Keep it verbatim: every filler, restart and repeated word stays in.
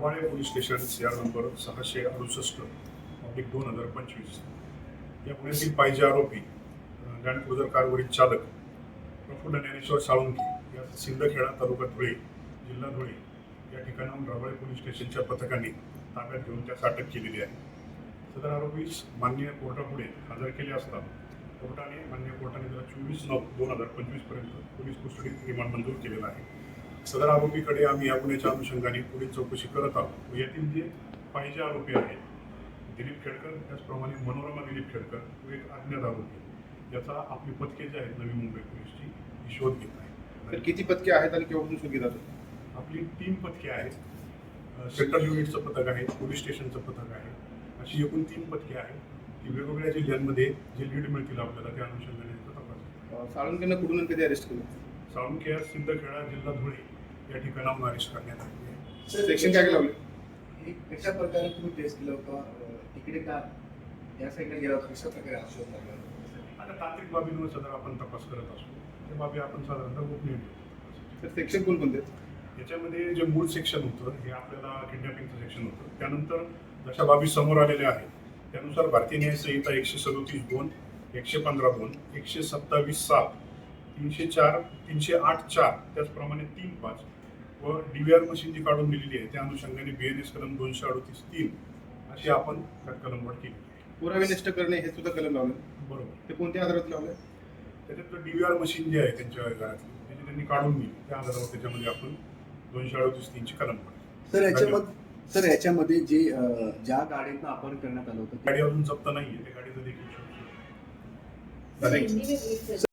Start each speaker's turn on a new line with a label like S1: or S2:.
S1: Rabale police station CR number सहाशे अडुसष्ट public दोन हजार पंचवीस या गुन्ह्यातील पाहिजे आरोपी लँड क्रुझर कारवरील चालक प्रफुल्ल ज्ञानेश्वर साळुंखे या सिंदखेडा तालुका धुळे जिल्हा धुळे या ठिकाणाहून रबाळे पोलीस स्टेशनच्या पथकाने ताब्यात घेऊन त्यास अटक केलेली आहे. सदर आरोपीस मान्य कोर्टापुढे हजर केले असता कोर्टाने मान्य कोर्टाने त्याला चोवीस नऊ दोन हजार पंचवीस पर्यंत पोलीस कस्टडीत रिमांड मंजूर केलेला आहे. सदर आरोपीकडे आम्ही या गुन्ह्याच्या अनुषंगाने पुढील चौकशी करत आहोत. यातील जे पाहिजे आरोपी आहेत दिलीप खेडकर, त्याचप्रमाणे मनोरमा दिलीप खेडकर व एक अज्ञात आरोपी याचा आपली पथके जे आहेत नवी मुंबई पोलीसची ही शोध घेत आहे.
S2: तर किती पथके आहेत आणि केव्हापासून शोध घेतात?
S1: आपली तीन पथके आहेत. सेंट्रल युनिटचं पथक आहे, पोलीस स्टेशनचं पथक आहे, अशी एकूण तीन पथके आहेत. ती वेगवेगळ्या जिल्ह्यांमध्ये जे लीड मिळतील आपल्याला त्या अनुषंगाने तपास.
S2: साळुंखेंना कुठून आणि कधी अरेस्ट केलं?
S1: साळुंखे सिंदखेडा जिल्हा धुळे या ठिकाणाहून अरेस्ट करण्यात आले आहे.
S2: सेक्शन काय लावले?
S3: कशा प्रकारे तुम्ही टेस्ट केलं होतं? तिकडे का या साईडला गेला होता? कशा प्रकारे हा शोध लागला?
S1: आता तांत्रिक बाबींवर सध्या आपण तपास करत असतो. त्या बाबी आपण साधारणतः गोपनीय ठेवतो.
S2: तर सेक्शन कोणकोणते?
S1: याच्यामध्ये जे मूळ सेक्शन होतं हे आपल्याला किडनॅपिंगचं सेक्शन होतं. त्यानंतर जशा बाबी समोर आलेल्या आहेत त्यानुसार भारतीय न्याय संहिता एकशे सदोतीस दोन, एकशे पंधरा दोन, एकशे सत्तावीस सात, तीनशे चार, तीनशे आठ चार, त्याचप्रमाणे तीन पाच व डी व्ही आर मशीन जी काढून दिलेली आहे त्या अनुषंगाने बी एन एस कलम दोनशे अडतीस तीन अशी आपण त्यात कलमवाढ केली.
S2: पुरावे नष्ट करणे हे सुद्धा कलम लावले.
S1: बरोबर.
S2: ते कोणत्या आधारात लावले?
S1: त्याच्यात डी व्ही आर मशीन जी आहे त्यांच्या घरातली त्याची त्यांनी काढून दिली त्या आधारावर त्याच्यामध्ये आपण दोनशे अडतीस तीनची कलमवाढ.
S3: सर याच्यामध्ये सर याच्यामध्ये जे ज्या गाडीतनं अपहरण करण्यात आलं होतं
S1: गाडी अजून जप्त नाहीये, त्या गाडीचं देखील शोध सुरू आहे.
S2: Thank you.